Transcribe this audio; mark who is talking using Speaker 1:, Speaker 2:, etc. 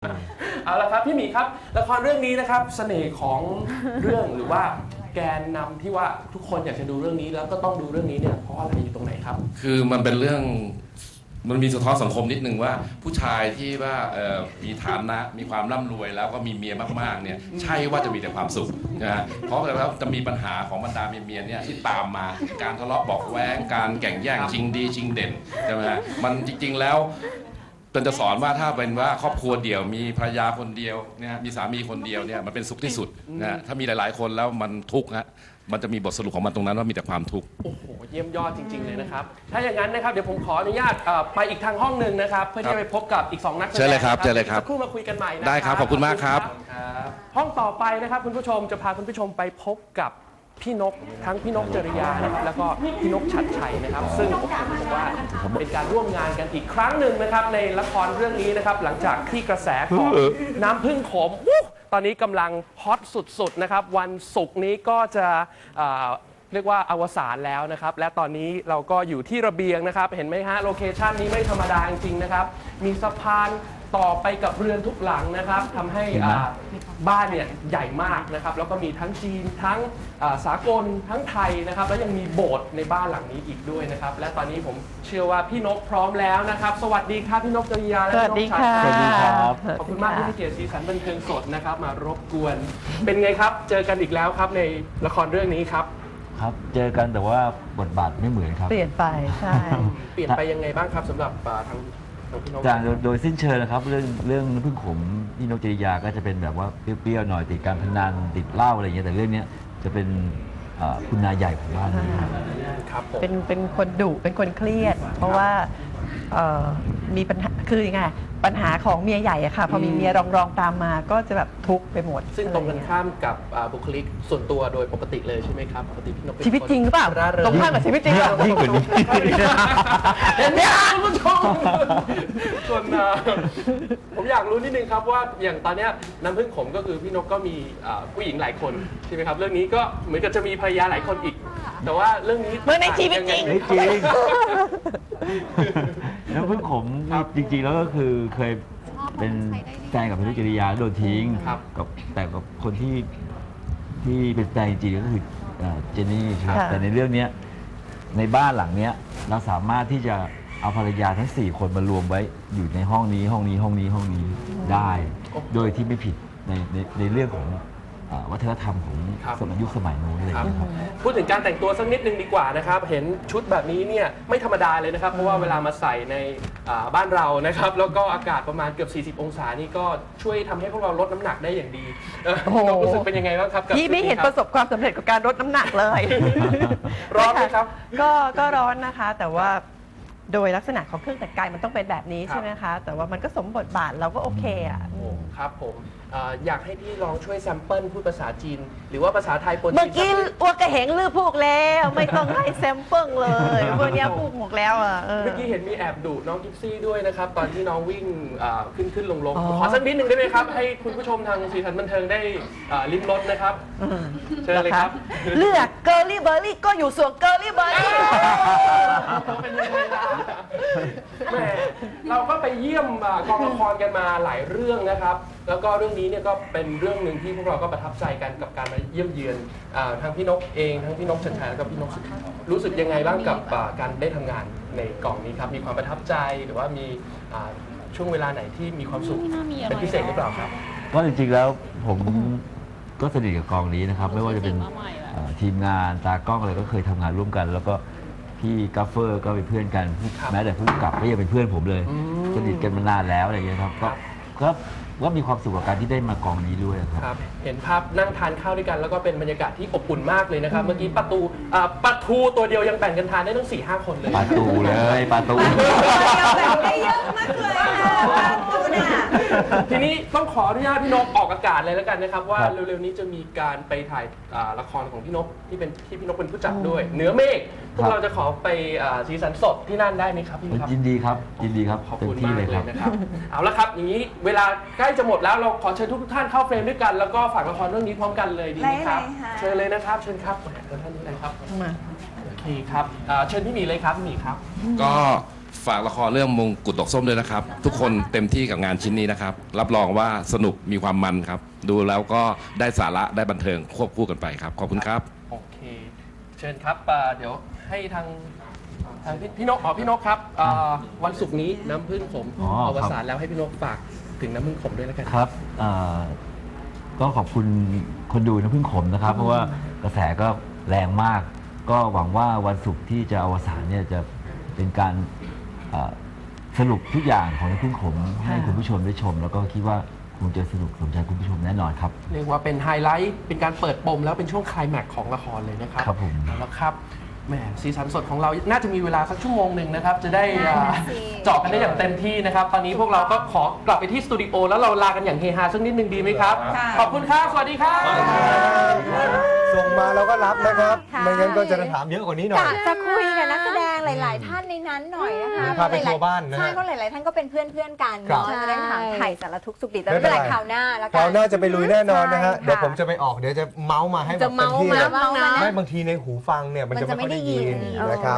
Speaker 1: เอาละครับพี่หมีครับละครเรื่องนี้นะครับเสน่ห์ของเรื่องหรือว่าแกนนำที่ว่าทุกคนอยากจะดูเรื่องนี้แล้วก็ต้องดูเรื่องนี้เนี่ยเพราะอะไรอยู่ตรงไหนครับ
Speaker 2: คือมันเป็นเรื่องมันมีสะท้อนสังคมนิดนึงว่าผู้ชายที่ว่ามีฐานะมีความร่ำรวยแล้วก็มีเมียมากๆเนี่ยใช่ว่าจะมีแต่ความสุขนะฮะเพราะแล้วจะมีปัญหาของบรรดาเมียเนี่ยที่ตามมาการทะเลาะเบาะแว้งการแข่งแย่งชิงดีชิงเด่นใช่ไหมฮะมันจริงๆแล้วเป็นจะสอนว่าถ้าเป็นว่าครอบครัวเดี่ยวมีภรรยาคนเดียวเนี่ยมีสามีคนเดียวเนี่ยมันเป็นสุขที่สุดนะถ้ามีหลายๆคนแล้วมันทุกข์ฮะมันจะมีบทสรุปของมันตรงนั้นว่ามีแต่ความทุกข์
Speaker 1: โอ้โหเยี่ยมยอดจริงๆเลยนะครับถ้าอย่างนั้นนะครับเดี๋ยวผมขออนุญาตไปอีกทางห้องหนึ่งนะครับเพื่อที่จะไปพบกับอีก2นักแสดง
Speaker 2: เชิญเลยครับเชิญเลยครับ
Speaker 1: สักครู่มาคุยกันใหม่นะ
Speaker 2: ได้ครับขอบคุณมากครับ
Speaker 1: ห้องต่อไปนะครับคุณผู้ชมจะพาคุณผู้ชมไปพบกับพี่นกทั้งพี่นกจริยานะครับแล้วก็พี่นกชัดชัยนะครับซึ่งผมบอกว่าเป็นการร่วมงานกันอีกครั้งหนึ่งนะครับในละครเรื่องนี้นะครับหลังจากที่กระแสของน้ำผึ้งขมตอนนี้กำลังฮอตสุดๆนะครับวันศุกร์นี้ก็จะเรียกว่าอวสานแล้วนะครับและตอนนี้เราก็อยู่ที่ระเบียงนะครับเห็นไหมฮะโลเคชันนี้ไม่ธรรมดาจริงๆนะครับมีสะพานต่อไปกับเรือนทุกหลังนะครับทำให้บ้านเนี่ยใหญ่มากนะครับแล้วก็มีทั้งจีนทั้งสากลทั้งไทยนะครับแล้วยังมีโบสถ์ในบ้านหลังนี้อีกด้วยนะครับและตอนนี้ผมเชื่อว่าพี่นกพร้อมแล้วนะครับสวัสดีครับพี่นกจริยาและพี่นกชัดชัย
Speaker 3: สวัสดีครับ
Speaker 1: ขอบคุณมากที่ให้เกียรติสีสันบันเทิงสดนะครับมารบกวนเป็นไงครับเจอกันอีกแล้วครับในละครเรื่องนี้ครับ
Speaker 3: ครับเจอกันแต่ว่าบทบาทไม่เหมือนครับ
Speaker 4: เปลี่ยนไปใช่
Speaker 1: เปลี่ยนไปยังไงบ้างครับสำหรับทางพี่นก
Speaker 3: จากโดยสิ้นเชิงนะครับเรื่องพึ่งขมพี่นกจริยาก็จะเป็นแบบว่าเปรี้ยวๆหน่อยติดการพนันติดเหล้าอะไรอย่างเงี้ยแต่เรื่องนี้จะเป็นคุณนายใหญ่ของบ้านนี้
Speaker 1: ครับผม
Speaker 4: เป็นคนดุเป็นคนเครียด เพราะว่ามีปัญหาคือยังไงปัญหาของเมียใหญ่อะค่ะพอมีเมียรองตามมาก็จะแบบทุกข์ไปหมด
Speaker 1: ซึ่งตรงกันข้ามกับบุคลิกส่วนตัวโดยปกติเลยใช่ไหมครับปกติพี่นก
Speaker 4: ชีวิตจริงหรือเปล่าตรงข้ามกับชีวิตจริง
Speaker 3: ยิ่งกว่านี้
Speaker 1: เห็นไหมคุณผู้ชมส่วนผมอยากรู้นิดนึงครับว่าอย่างตอนนี้น้ำผึ้งขมก็คือพี่นกก็มีผู้หญิงหลายคนใช่ไหมครับเรื่องนี้ก็เหมือนกับจะมีภรรยาหลายคนอีกแต่ว่าเรื่องนี้
Speaker 4: เมื่อในชีวิตจริง
Speaker 3: ไม่จริงแล้วพึ่งขมจริงๆแล้วก็คือเคยเป็นแฟนกับพี่นกจริยาโดนทิ้งกับแต่กับคนที่เป็นแฟนจริงๆก็คือเจนนี่ครับแต่ในเรื่องนี้ในบ้านหลังเนี้ยเราสามารถที่จะเอาภรรยาทั้ง4คนมารวมไว้อยู่ในห้องนี้ได้ โดยที่ไม่ผิดในเรื่องของวัฒนธรรมของสมัยยุคสมัยนู้นอะไรอย่างเงี้ยครับ
Speaker 1: พูดถึงการแต่งตัวสักนิดนึงดีกว่านะครับเห็นชุดแบบนี้เนี่ยไม่ธรรมดาเลยนะครับเพราะว่าเวลามาใส่ในบ้านเรานะครับแล้วก็อากาศประมาณเกือบ40 องศานี่ก็ช่วยทำให้พวกเราลดน้ำหนักได้อย่างดีรู้สึกเป็นยังไงบ้างครับ
Speaker 4: พี่ไม่เห็นประสบความสำเร็จกับการลดน้ำหนักเลย
Speaker 1: ร้อนไหมครับ
Speaker 4: ก็ร้อนนะคะแต่ว่าโดยลักษณะของเครื่องแต่งกายมันต้องเป็นแบบนี้ใช่ไหมคะแต่ว่ามันก็สมบทบาทเราก็โอเคอ่ะ
Speaker 1: ครับผมอยากให้พี่ลองช่วยแซมเปิลพูดภาษาจีนหรือว่าภาษาไทยปนจีน
Speaker 4: เมื่อกี้อ้วกกระเหงลือพูกแล้วไม่ต้องให้แซมเปิลเลยพวกนี้พูกหมดแล้วอ่ะ
Speaker 1: เมื่อกี้เห็นมีแอบดุน้องกิฟซี่ด้วยนะครับตอนที่น้องวิ่งขึ้นลงขอสักนิดหนึ่งได้ไหมครับให้คุณผู้ชมทางสีสันบันเทิงได้ลิ้มรสนะครับเชิญเลยครับ
Speaker 4: เลือกเกอร์ลี่เบอร์รี่ก็อยู่ส่วนเกอร์ลี่เบอร์รี่
Speaker 1: เป็นยังไงล่ะแหมเราก็ไปเยี่ยมกองละครกันมาหลายเรื่องนะครับแล้วก็เรื่องนี้เนี่ยก็เป็นเรื่องหนึ่งที่พวกเราก็ประทับใจกันกับการมาเยี่ยมเยือนทั้งพี่นกเองทั้งพี่นกชัดชัยแล้วก็พี่นกสุดรู้สึกยังไงบ้างกับการได้ทำงานในกองนี้ครับมีความประทับใจหรือว่ามีช่วงเวลาไหนที่มีความสุขเป็นพิเศษหรือเปล่าครับ
Speaker 3: ก็จริงๆแล้วผมก็สนิทกับกองนี้นะครับไม่ว่าจะเป็นทีมงานตากล้องอะไรก็เคยทำงานร่วมกันแล้วก็พี่กัฟเฟอร์ก็เป็นเพื่อนกันแม้แต่ผู้กำกับก็ยังเป็นเพื่อนผมเลยสนิทกันมานานแล้วอะไรอย่างเงี้ยครับก็มีความสุขกับการที่ได้มากองนี้ด้วย
Speaker 1: ครับเห็นภาพนั่งทานข้าวด้วยกันแล้วก็เป็นบรรยากาศที่อบอุ่นมากเลยนะครับเมื่อกี้ปลาทูตัวเดียวยังแบ่งกันทานได้ตั้ง 4-5 คนเลย
Speaker 3: ปลาตูเลยปลาตู
Speaker 4: แบ่งได้เยอะมากเลยปลาตูเนี่ย
Speaker 1: ทีนี้ต้องขออนุญาตพี่นกออกอากาศเลยแล้วกันนะครับว่าเร็วๆนี้จะมีการไปถ่ายละครของพี่นกที่พี่นกเป็นผู้จัดด้วยเหนือเมฆพวกเราจะขอไปสีสันสดที่นั่นได้ไหมครับพี่ครับ
Speaker 3: ยินดีครับ
Speaker 1: ขอบคุณมากเลยนะครับเอาละครับอย่างนี้เวลาใกล้จะหมดแล้วเราขอเชิญทุกท่านเข้าเฟรมด้วยกันแล้วก็ฝากละครเรื่องนี้พร้อมกันเลยดีไหมครับเชิญเลยนะครับเชิญครับเชิญท่านนี้เลยครับโอเคครับเชิญพี่หมีเลยครับพี่หมีครับ
Speaker 2: ก็ฝากละครเรื่องมงกุฎดอกส้มด้วยนะครับ ทุกคนเต็มที่กับงานชิ้นนี้นะครับ รับรองว่าสนุกมีความมันครับ ดูแล้วก็ได้สาระได้บันเทิงควบคู่กันไปครับ ขอบคุณครับ
Speaker 1: โอเค เชิญครับเดี๋ยวให้ทางพี่นกพี่นกครับวันศุกร์นี้น้ำพึ่งขม
Speaker 3: อ๋อ
Speaker 1: อ
Speaker 3: ครับ
Speaker 1: วสานแล้วให้พี่นกฝากถึงน้ำพึ่งขมด้วยแล้วกัน
Speaker 3: ครับก็ขอบคุณคนดูนะพึ่งขมนะครับ เพราะว่ากระแสก็แรงมาก ก็หวังว่าวันศุกร์ที่จะอวสานเนี่ยจะเป็นการสรุปทุกอย่างของน้ำพึ่งขมให้คุณผู้ชมได้ชม แล้วก็คิดว่าคงจะสนุกสมใจคุณผู้ชมแน่นอนครับ
Speaker 1: เรียกว่าเป็นไฮไลท์เป็นการเปิดปมแล้วเป็นช่วงไคลแม็กซ์ของละครเลยนะครับ
Speaker 3: ครับผม
Speaker 1: แล้วครับแหมสีสันสดของเราน่าจะมีเวลาสักชั่วโมงหนึ่งนะครับ จะได้เจาะกันได้อย่างเต็มที่นะครับ ตอนนี้พวกเราก็ขอกลับไปที่สตูดิโอแล้วเราลากันอย่างเฮฮาสักนิดนึงดีไหมครับ ขอบคุณครับสวัสดีครับ
Speaker 5: ส่งมาเราก็รับนะครับ
Speaker 6: ค่ะ
Speaker 5: ไม่งั้นก็จะถามเยอะกว่านี้หน่อย
Speaker 6: กะจะคุยกับนักแสดงหลาย ๆ ท่านในนั้นหน่อยนะคะ
Speaker 5: พาไปทัวร์บ้านนะฮะ
Speaker 6: ใช่เพราะหลาย ๆ ท่านก็เป็นเพื่อน กัน
Speaker 5: ครับ
Speaker 6: เนาะจะได้ถามไถ่สารทุกข์สุขดิบแต่
Speaker 5: ไม่
Speaker 6: ไม่
Speaker 5: เป็
Speaker 6: เป็น น
Speaker 5: ไร
Speaker 6: ไรคราวหน้าแล้ว
Speaker 5: ค
Speaker 6: กั
Speaker 5: ราวหน้าจะไปลุยแน่นอนนะฮะ
Speaker 6: ใช่
Speaker 5: เดี๋ยวผมจะไปออกเดี๋ยวจะเมาส์มาให้แบบ
Speaker 6: จะ
Speaker 5: เต็ม
Speaker 6: เมาส์
Speaker 5: ที่
Speaker 6: มา
Speaker 5: เลย
Speaker 6: บ้างนะ
Speaker 5: ไม่บางทีในหูฟังเนี่ยมันจะไม่ค่อยได้ยินนะครับ